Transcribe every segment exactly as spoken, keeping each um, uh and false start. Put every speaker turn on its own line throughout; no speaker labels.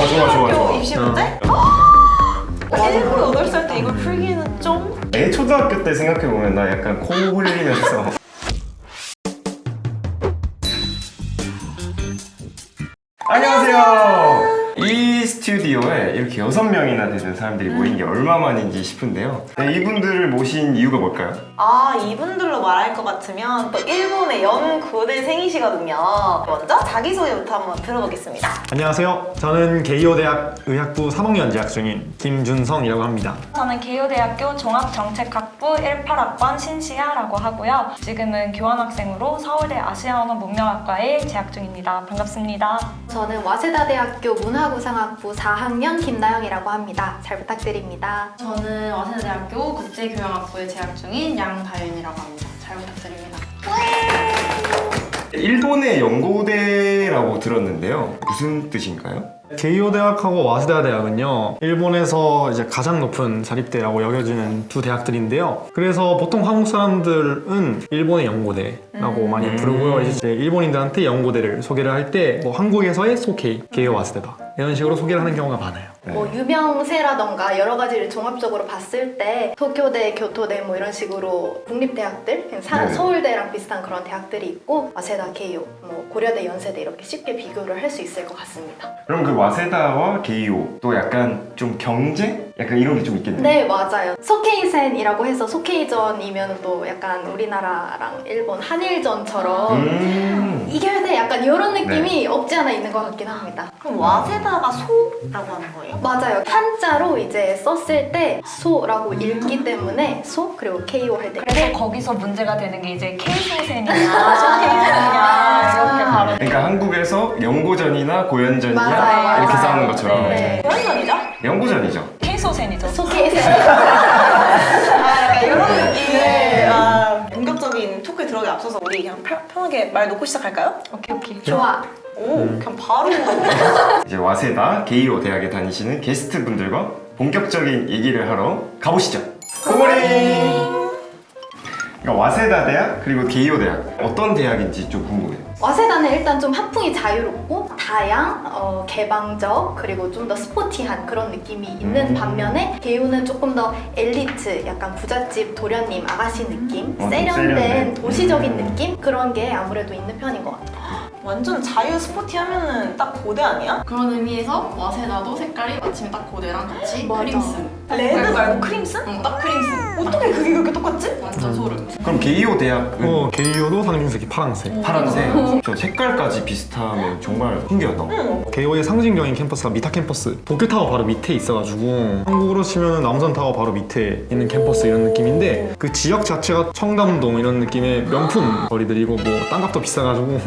어, 좋아, 좋아, 좋아.
입시 문제? 일곱, 여덟 살 때 이걸 풀기는 좀?
애 초등학교 때 생각해보면 나 약간 코 흘리면서 안녕하세요. 이 스튜디오에 이렇게 여섯 명이나 되는 사람들이 모인 게 얼마만인지 싶은데요. 네, 이분들을 모신 이유가 뭘까요?
아, 이분들로 말할 것 같으면 또 일본의 연고대생이시거든요. 먼저 자기소개부터 한번 들어보겠습니다.
안녕하세요. 저는 게이오대학 의학부 삼 학년 재학 중인 김준성이라고 합니다.
저는 게이오대학교 종합정책학부 십팔 학번 신시아라고 하고요. 지금은 교환학생으로 서울대 아시아언어 문명학과에 재학 중입니다. 반갑습니다.
저는 와세다대학교 문화구상학부 사 학년 김나영이라고 합니다. 잘 부탁드립니다.
저는 와세다대학교 국제교양학부에 재학 중인 양다윤이라고 합니다. 잘 부탁드립니다.
일본의 연고대라고 들었는데요. 무슨 뜻인가요?
게이오대학하고 와세다 대학은요, 일본에서 이제 가장 높은 자립대라고 여겨지는 두 대학들인데요. 그래서 보통 한국 사람들은 일본의 연고대라고
음.
많이 부르고요. 이제 일본인들한테 연고대를 소개를 할 때 뭐 한국에서의 소케이, 게이오 와세다다 이런 식으로 소개를 하는 경우가 많아요.
뭐 유명세라던가 여러 가지를 종합적으로 봤을 때 도쿄대, 교토대 뭐 이런 식으로 국립대학들, 그냥 사-
네.
서울대랑 비슷한 그런 대학들이 있고 와세다, 게이오, 뭐 고려대, 연세대 이렇게 쉽게 비교를 할 수 있을 것 같습니다.
그럼 그 와세다와 게이오 또 약간 좀 경쟁? 약간 이런 게 좀 있겠네요.
네, 맞아요. 소케이센이라고 해서 소케이전이면 또 약간 우리나라랑 일본 한일전처럼
음.
이겨야 돼 약간 이런 느낌이 없지 않아 있는 것 같긴 합니다.
그럼 와세다가 소라고 하는 거예요?
맞아요. 한자로 이제 썼을 때 소라고 읽기 때문에 소 그리고 케이오 할 때
그래서 거기서 문제가 되는 게 이제 K소생이냐, 소케이소생이냐 이렇게 바로
그러니까 한국에서 연고전이나 고연전이냐
맞아요,
이렇게
맞아요.
싸우는 것처럼
네.
고연전이죠?
연고전이죠.
K소생이죠.
소케이센.
아, 약간 이런 느낌의 아, 본격적인 토크에 들어가기 앞서서 우리 그냥 편- 편하게 말 놓고 시작할까요?
오케이 오케이.
좋아.
오, 그냥 바로
이제 와세다 게이오 대학에 다니시는 게스트 분들과 본격적인 얘기를 하러 가보시죠. 고고링. 그러니까 와세다 대학 그리고 게이오 대학 어떤 대학인지 좀 궁금해요.
와세다는 일단 좀 학풍이 자유롭고 다양, 어, 개방적 그리고 좀 더 스포티한 그런 느낌이 있는
음.
반면에 게이오는 조금 더 엘리트, 약간 부잣집 도련님 아가씨 느낌,
어, 좀
세련된
세련된.
도시적인
음.
느낌 그런 게 아무래도 있는 편인 것 같아요.
완전 자유 스포티 하면은 딱 고대 아니야?
그런 의미에서 와세다도 색깔이 마침 딱 고대랑 같이
맞아.
크림슨.
레드 말고 크림슨?
응, 딱 크림슨.
어떻게 그게 그렇게 똑같지?
완전 소름.
그럼 게이오 대학은
어, 게이오도 상징색이 파란색.
파란색, 저 색깔까지 비슷하면 정말 신기하다.
응.
게이오의 상징적인 캠퍼스가 미타 캠퍼스, 도쿄타워 바로 밑에 있어가지고 한국으로 치면 남산타워 바로 밑에 있는 캠퍼스 이런 느낌인데 그 지역 자체가 청담동 이런 느낌의 명품 거리들이고 뭐 땅값도 비싸가지고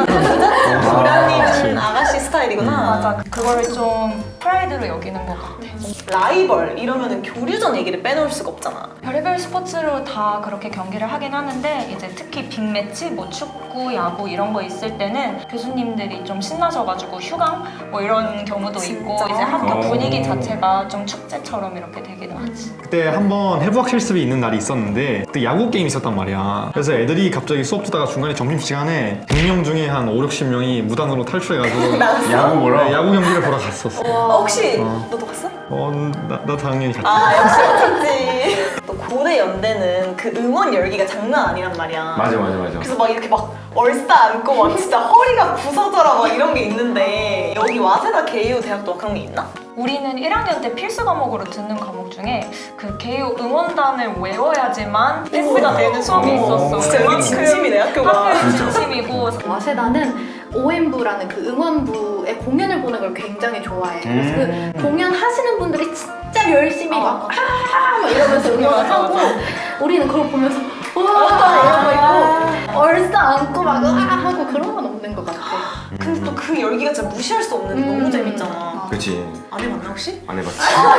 도련님 아가씨 스타일이구나.
맞아. 그거를 좀 프라이드로 여기는 것 같아.
라이벌 이러면은 교류전 얘기를 빼놓을 수가 없잖아.
별의별 스포츠로 다 그렇게 경기를 하긴 하는데 이제 특히 빅매치, 뭐 축구, 야구 이런 거 있을 때는 교수님들이 좀 신나셔가지고 휴강 뭐 이런 경우도 있고
진짜?
이제 학교
어.
분위기 자체가 좀 축제처럼 이렇게 되기도 하지.
그때 한번 해부학 실습이 있는 날이 있었는데 그때 야구 게임이 있었단 말이야. 그래서 애들이 갑자기 수업 듣다가 중간에 점심시간에 백 명 중에 한 오, 육십 명이 무단으로 탈출해가지고
야구 보러?
네, 야구 경기를 보러 갔었어.
어, 혹시
어.
너도 갔어?
어, 나, 나 당연히 갔지.
아, 역시 갔지. 또 고대 연대는 그 응원 열기가 장난 아니란 말이야.
맞아 맞아 맞아.
그래서 막 이렇게 막 얼싸 안고 막 진짜 허리가 부서져라 막 이런 게 있는데 여기 와세다 게이오 대학도 그런 게 있나?
우리는 일 학년 때 필수 과목으로 듣는 과목 중에 그 게이오 응원단을 외워야지만 패스가 되는 수업이 있었어.
진짜 여기 진심이네 학교가.
학교의 진심이고
와세다는 오엠부라는 그 응원부의 공연을 보는 걸 굉장히 좋아해. 그래서
음.
그 공연 하시는 분들이 진짜 열심히
어.
막 아! 막 이러면서 응원을
맞아,
하고
맞아.
우리는 그걸 보면서 와 이러고 있고 얼싸 안고 막 으아 하고 그런 건 없는 것 같아.
근데 또 그 열기가 진짜 무시할 수 없는 게 너무
음.
재밌잖아.
그렇지.
안 해봤나 혹시?
안 해봤지.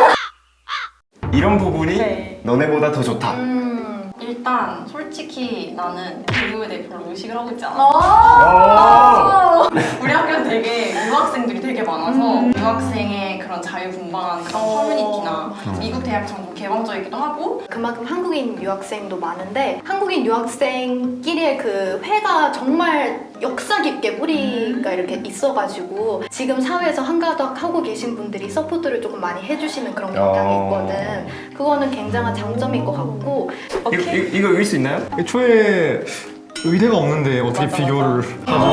이런 부분이
네.
너네보다 더 좋다.
음.
일단 솔직히 나는 교육에 대해 별로 의식을 하고 있지 않아.
어.
오!
우리 학교는 되게 유학생들이 되게 많아서 유학생의 그런 자유분방한 그런 커뮤니티나 미국 대학처럼 좀 개방적이기도 하고
그만큼 한국인 유학생도 많은데 한국인 유학생끼리의 그 회가 정말 역사 깊게 뿌리가 이렇게 있어가지고 지금 사회에서 한가닥 하고 계신 분들이 서포트를 조금 많이 해주시는 그런 경향이 있거든. 그거는 굉장한 장점인 것 같고
이거, 이거, 이거 읽을 수 있나요?
애초에 의대가 없는데 어떻게
맞아,
비교를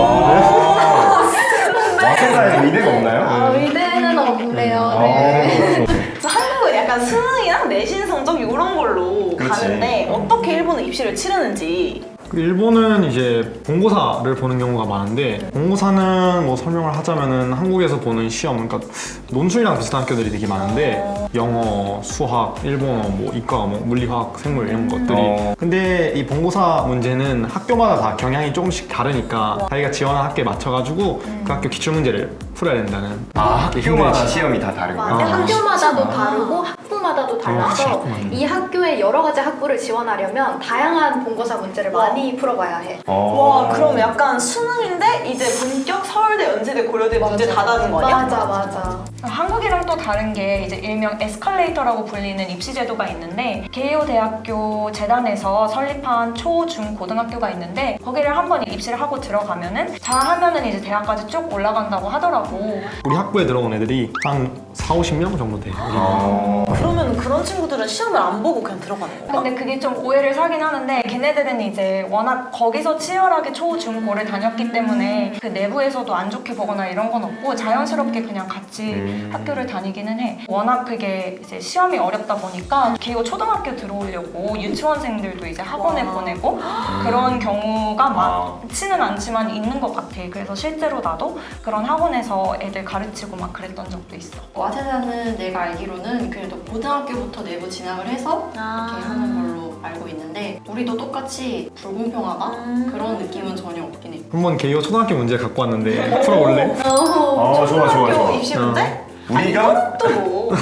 아, 와세다에 의대가 없나요?
아, 의대는 없네요.
아,
네.
그래서 한국은 약간 수능이랑 내신 성적 이런 걸로
그렇지.
가는데 어떻게 일본은 입시를 치르는지.
일본은 이제 본고사를 보는 경우가 많은데 본고사는 뭐 설명을 하자면은 한국에서 보는 시험, 그러니까 논술이랑 비슷한 학교들이 되게 많은데 영어, 수학, 일본어, 뭐 이과, 뭐 물리화학, 생물 이런 것들이
어.
근데 이 본고사 문제는 학교마다 다 경향이 조금씩 다르니까 자기가 지원한 학교에 맞춰가지고 그 학교 기출문제를 풀어야 된다는
아,
게
학교마다
힘들지.
시험이 다 다르구나.
맞아.
아,
학교마다도
진짜?
다르고 학부마다도 달라서
학부마다.
이 학교의 여러 가지 학부를 지원하려면 다양한 본고사 문제를 많이 풀어봐야 해.
어.
와, 그럼 약간 수능인데 이제 본격 서울대, 연세대, 고려대 문제 다 다른 거 아니야?
맞아, 맞아.
한국이랑 또 다른 게 이제 일명 에스컬레이터라고 불리는 입시 제도가 있는데 게이오 대학교 재단에서 설립한 초, 중, 고등학교가 있는데 거기를 한 번 입시를 하고 들어가면은 잘하면은 이제 대학까지 쭉 올라간다고 하더라고.
우리 학부에 들어온 애들이 한 사오십 명 정도 돼.
어.
그러면 그런 친구들은 시험을 안 보고 그냥 들어가는 건가?
근데 그게 좀 오해를 사긴 하는데 걔네들은 이제 워낙 거기서 치열하게 초, 중, 고를 다녔기 때문에 그 내부에서도 안 좋게 보거나 이런 건 없고 자연스럽게 그냥 같이
음.
학교를 다니기는 해. 워낙 그게 이제 시험이 어렵다 보니까 기호 초등학교 들어오려고 유치원생들도 이제 학원에
와.
보내고 그런 경우가
아.
많지는 않지만 있는 것 같아. 그래서 실제로 나도 그런 학원에서 애들 가르치고 막 그랬던 적도 있어.
와세다는 내가 알기로는 그래도 고등학교부터 내부 진학을 해서
아.
이렇게 하는 걸로 알고 있는데 우리도 똑같이 불공평하다?
음.
그런 느낌은 전혀 없긴 해.
한번 게이오 초등학교 문제 갖고 왔는데 풀어볼래?
어, 좋아, 좋아,
학교
좋아.
입시
어.
문제?
우리가
또 뭐?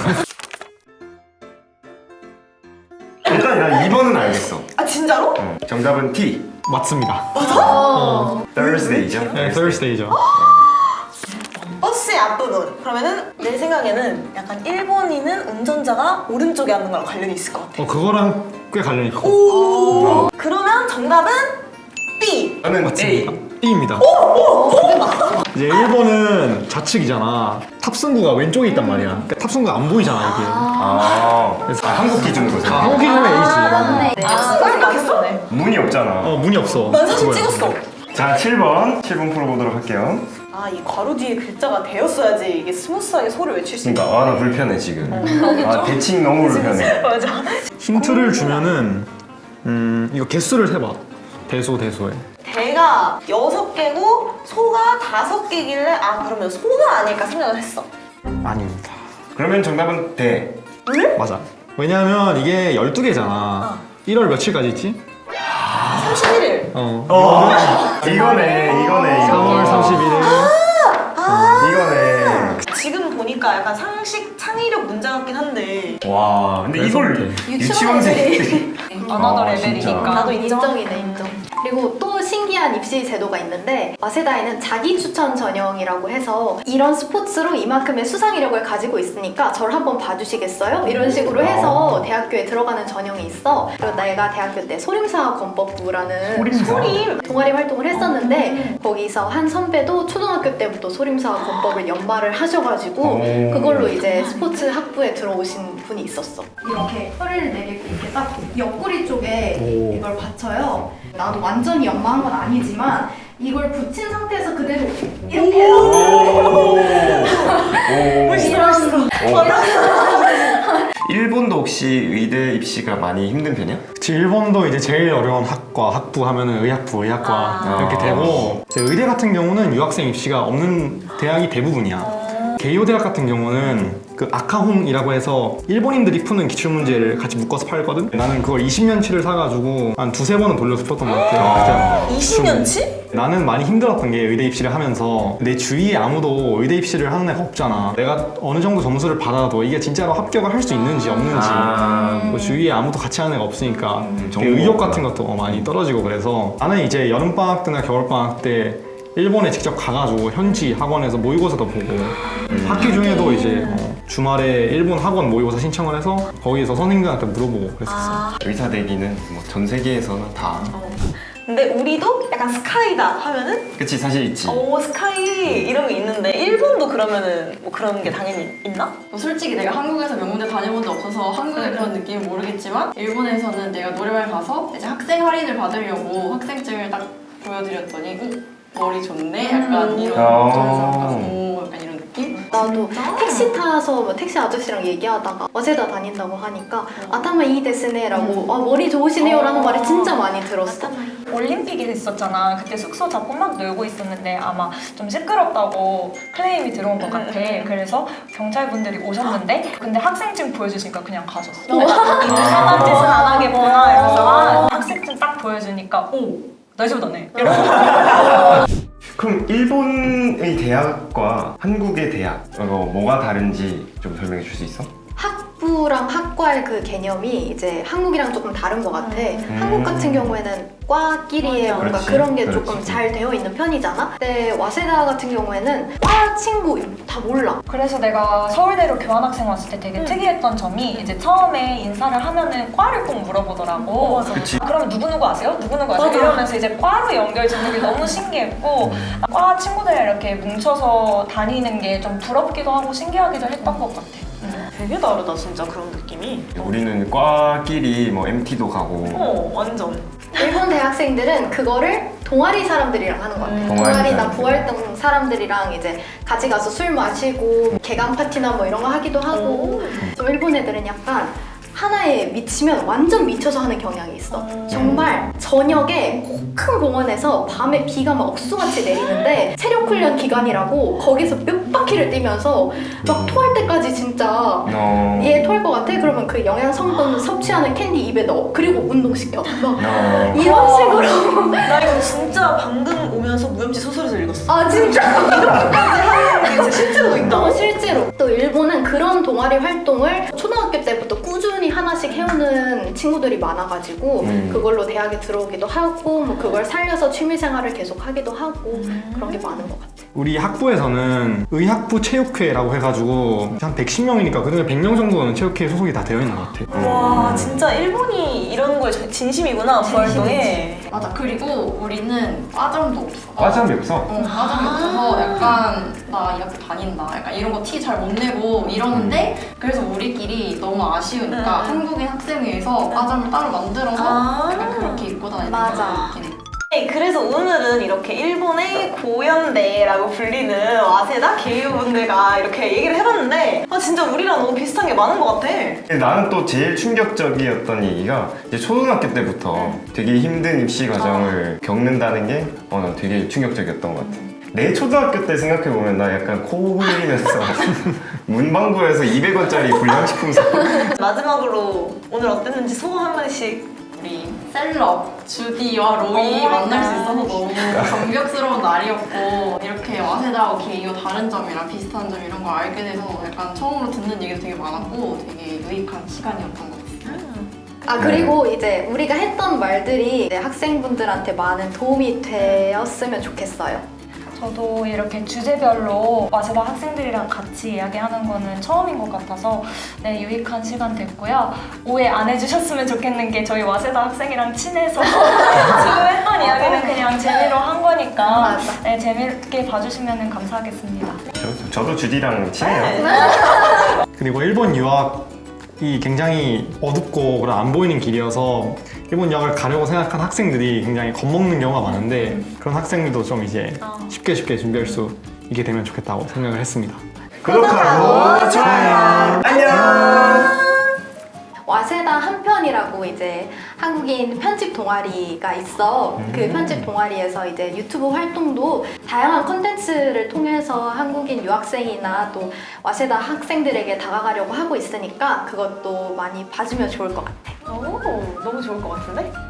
일단 난 이 번은 알겠어.
아, 진짜로?
어, 정답은 T.
맞습니다.
어.
Thursday죠.
네, Thursday죠.
버스의 앞부분. 그러면은 내 생각에는 약간 일본인은 운전자가 오른쪽에 앉는 거랑 관련이 있을 것 같아.
어, 그거랑 꽤 관련이 있고.
오. 그러면 정답은 B.
저는
맞습니다.
A.
B입니다. 이제 일본은 좌측이잖아. 탑승구가 왼쪽에 있단 말이야. 그러니까 탑승구가 안 보이잖아, 이게.
아, 아 한국 기준으로
아,
생각.
한국 기준은 A지.
맞네.
아, 생각했어?
문이 없잖아.
어, 문이 없어.
난 사진
그거야.
찍었어.
자, 칠 번. 칠 번 풀어보도록 할게요.
아, 이 괄호 뒤에 글자가 되었어야지 이게 스무스하게 소를 외칠 수 있는
그러니까 아, 나 불편해 지금. 아, 대칭 너무 불편해.
맞아.
힌트를 주면은, 음, 이거 개수를 세봐. 대소, 대소에.
대가 여섯 개고 소가 다섯 개길래 아, 그러면 소가 아닐까 생각을 했어.
아닙니다.
그러면 정답은 대.
맞아. 왜냐면 이게 열두 개잖아. 일월 며칠까지 있지?
삼십일 일.
어.
어, 이거네, 이거네,
삼월
이거.
삼십일 일.
이거네.
지금 보니까 약간 상식 창의력 문제 같긴 한데
와, 근데 이걸
그래서
유치원생들이.
언어도
아,
레벨이니까.
진짜.
나도 인정.
인정이네, 인정. 그리고 또 신기한 입시 제도가 있는데 와세다에는 자기 추천 전형이라고 해서 이런 스포츠로 이만큼의 수상 이력을 가지고 있으니까 저를 한번 봐주시겠어요? 이런 식으로 해서 대학교에 들어가는 전형이 있어. 그리고 내가 대학교 때 소림사 건법부라는
소림사?
소림.
동아리 활동을 했었는데 거기서 한 선배도 초등학교 때부터 소림사 건법을 연마를 하셔가지고
오.
그걸로 이제 스포츠 학부에 들어오신 분이 있었어. 이렇게 혀를 내리고 이렇게 딱 옆구리 쪽에
오.
이걸 받쳐요. 나도 완전히 연마한 건 아니지만 이걸 붙인 상태에서 그대로 이렇게
오.
멋있어.
일본도 혹시 의대 입시가 많이 힘든 편이야?
그치, 일본도 이제 제일 어려운 학과, 학부 하면은 의학부, 의학과
아.
이렇게 되고 이제 의대 같은 경우는 유학생 입시가 없는 대학이 대부분이야. 게이오 대학 같은 경우는 그 아카홍이라고 해서 일본인들이 푸는 기출문제를 같이 묶어서 팔거든? 나는 그걸 이십 년치를 사가지고 한 두세 번은 돌려서 풀었던 것 같아. 그때
이십 년치?
나는 많이 힘들었던 게 의대 입시를 하면서 내 주위에 아무도 의대 입시를 하는 애가 없잖아. 내가 어느 정도 점수를 받아도 이게 진짜로 합격을 할 수 있는지 없는지
아.
뭐 주위에 아무도 같이 하는 애가 없으니까
음,
되게 의욕 같은 것도 많이 떨어지고 그래서 나는 이제 여름방학 때나 겨울방학 때 일본에 직접 가가지고 현지 학원에서 모의고사도 보고 학기 중에도 이제 어, 주말에 일본 학원 모의고사 신청을 해서 거기에서 선생님들한테 물어보고 그랬었어요.
아,
의사 되기는 뭐 전 세계에서는 다.
어. 근데 우리도 약간 스카이다 하면은
그치, 사실 있지.
오 스카이 이런 게 있는데 일본도 그러면은 뭐 그런 게 당연히 있나?
뭐 솔직히 내가 한국에서 명문대 다녀본 적 없어서 한국의 그런 느낌은 모르겠지만 일본에서는 내가 노래방 가서 이제 학생 할인을 받으려고 학생증을 딱 보여드렸더니 어? 머리 좋네? 약간 이런
어.
점에서 오 약간 이런 느낌?
나도 택시 타서 뭐 택시 아저씨랑 얘기하다가 어제다 다닌다고 하니까 아타마 이 데스네라고 아, 머리 좋으시네요 라는 말을 진짜 많이 들었어.
올림픽이 있었잖아. 그때 숙소 잡고 막 놀고 있었는데 아마 좀 시끄럽다고 클레임이 들어온 것 같아. 그래서 경찰분들이 오셨는데 근데 학생증 보여주시니까 그냥 가셨어. 이상한 짓은 안 하겠구나 이러면서 아, 학생증 딱 보여주니까 오! 날 집어다네.
그럼 일본의 대학과 한국의 대학 어, 뭐가 다른지 좀 설명해 줄 수 있어?
학부랑 학과의 그 개념이 이제 한국이랑 조금 다른 것 같아. 한국 같은 경우에는 과끼리의 뭔가
그렇지,
그런 게
그렇지.
조금 잘 되어 있는 편이잖아. 근데 와세다 같은 경우에는 과 친구 다 몰라.
그래서 내가 서울대로 교환학생 왔을 때 되게 특이했던 점이 이제 처음에 인사를 하면은 과를 꼭 물어보더라고.
그치.
그러면 누구누구 아세요? 누구누구 아세요?
맞아.
이러면서 이제 과로 연결되는 게 너무 신기했고 과 친구들이랑 이렇게 뭉쳐서 다니는 게 좀 부럽기도 하고 신기하기도 했던 것 같아.
되게 다르다 진짜 그런 느낌이.
우리는 과끼리 뭐 엠티도 가고
어 완전.
일본 대학생들은 그거를 동아리 사람들이랑 하는 것 같아.
음.
동아리
동아리나
사람들.
부활동 사람들이랑 이제 같이 가서 술 마시고 개강 파티나 뭐 이런 거 하기도 하고. 좀 일본 애들은 약간 하나에 미치면 완전 미쳐서 하는 경향이 있어. 정말 저녁에 큰 공원에서 밤에 비가 막 억수같이 내리는데 체력 훈련 기간이라고 거기서 몇 바퀴를 뛰면서 막 토할 때까지 진짜
어...
얘 토할 것 같아? 그러면 그 영양 성분 섭취하는 캔디 입에 넣어. 그리고 운동시켜. 막
어...
이런 식으로.
나 이거 진짜 방금 오면서 무협지 소설에서 읽었어.
아 진짜?
이게 진짜 실제로도 있다.
어, 실제로. 또 일본은 그런 동아리 활동을 초등학교 때부터 꾸준히 하나씩 해오는 친구들이 많아가지고
음.
그걸로 대학에 들어오기도 하고 뭐 그걸 살려서 취미생활을 계속 하기도 하고 그런 게 많은 것 같아.
우리 학부에서는 의학부 체육회라고 해가지고 한 백십 명이니까 그중에 백 명 정도는 체육회에 소속이 다 되어 있는 것 같아.
와 진짜 일본이 이런 거에 진심이구나 부활동에.
맞아. 그리고 우리는 과점도 없어.
과점이 없어?
어, 과점이 없어서 약간 나 이 학교 다닌다 약간 이런 거 티 잘 못 내고 이러는데 그래서 우리끼리 너무 아쉬우니까
음.
한국인 학생회에서 과점을 따로 만들어서
아.
약간 그렇게 입고 다니는
맞아.
느낌.
네, 그래서 오늘은 이렇게 일본의 고연대라고 불리는 와세다 게이오 분들과 이렇게 얘기를 해봤는데 아 진짜 우리랑 너무 비슷한 게 많은 것 같아.
나는 또 제일 충격적이었던 얘기가 이제 초등학교 때부터 되게 힘든 입시 과정을 겪는다는 게 어, 난 되게 충격적이었던 것 같아. 내 초등학교 때 생각해보면 나 약간 코 흘리면서 문방구에서 이백 원짜리 불량식품 사
마지막으로 오늘 어땠는지 소감 한 마디씩.
우리 셀럽 주디와 로이
오,
만날 수
네.
있어서 너무 감격스러운 날이었고 이렇게 와세다하고 게이오 다른 점이랑 비슷한 점 이런 걸 알게 돼서 약간 처음으로 듣는 얘기도 되게 많았고 되게 유익한 시간이었던 것 같아요.
아 그리고 이제 우리가 했던 말들이 이제 학생분들한테 많은 도움이 되었으면 좋겠어요.
저도 이렇게 주제별로 와세다 학생들이랑 같이 이야기하는 거는 처음인 것 같아서 네, 유익한 시간 됐고요. 오해 안 해주셨으면 좋겠는 게 저희 와세다 학생이랑 친해서 지금 했던 이야기는 그냥 재미로 한 거니까
맞아.
네, 재밌게 봐주시면 감사하겠습니다.
저, 저도 주디랑 친해요.
그리고 일본 유학이 굉장히 어둡고 그런 안 보이는 길이어서 일본 유학을 가려고 생각한 학생들이 굉장히 겁먹는 경우가 많은데 그런 학생들도 좀 이제 쉽게 쉽게 준비할 수 있게 되면 좋겠다고 생각을 했습니다.
구독하고 좋아요. 안녕.
와세다 한편이라고 이제 한국인 편집 동아리가 있어. 그 편집 동아리에서 이제 유튜브 활동도 다양한 컨텐츠를 통해서 한국인 유학생이나 또 와세다 학생들에게 다가가려고 하고 있으니까 그것도 많이 봐주면 좋을 것 같아.
오 너무 좋을 것 같은데?